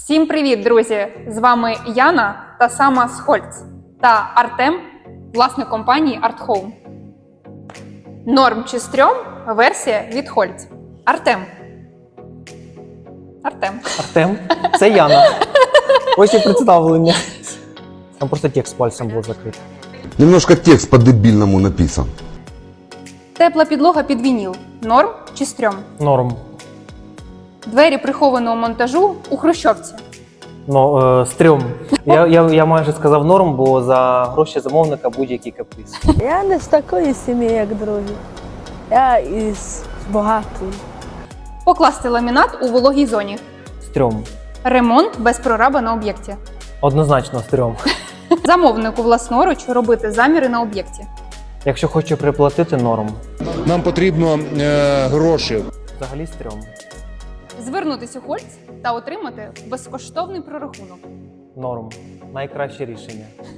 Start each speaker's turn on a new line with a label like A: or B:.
A: Всім привіт, друзі! З вами Яна та сама з Хольц та Артем, власник компанії ArtHome. Норм чи стрьом – версія від Хольц. Артем.
B: Це Яна. Ось і представлення. Там просто текст пальцем був закритий.
C: Немножко текст по-дебильному написан.
A: Тепла підлога під вініл – норм чи стрьом?
B: Норм.
A: Двері прихованого монтажу у хрущовці.
B: Стрьом. Я майже сказав норм, бо за гроші замовника будь-який каприз.
D: Я не з такої сім'ї, як другі. Я із багатої.
A: Покласти ламінат у вологій зоні.
B: Стрьом.
A: Ремонт без прораба на об'єкті.
B: Однозначно стрьом.
A: Замовнику власноруч робити заміри на об'єкті.
B: Якщо хочу приплатити, норм.
E: Нам потрібно гроші.
B: Взагалі стрьом.
A: Звернутись у Хольц та отримати безкоштовний прорахунок.
B: Норм. Найкраще рішення.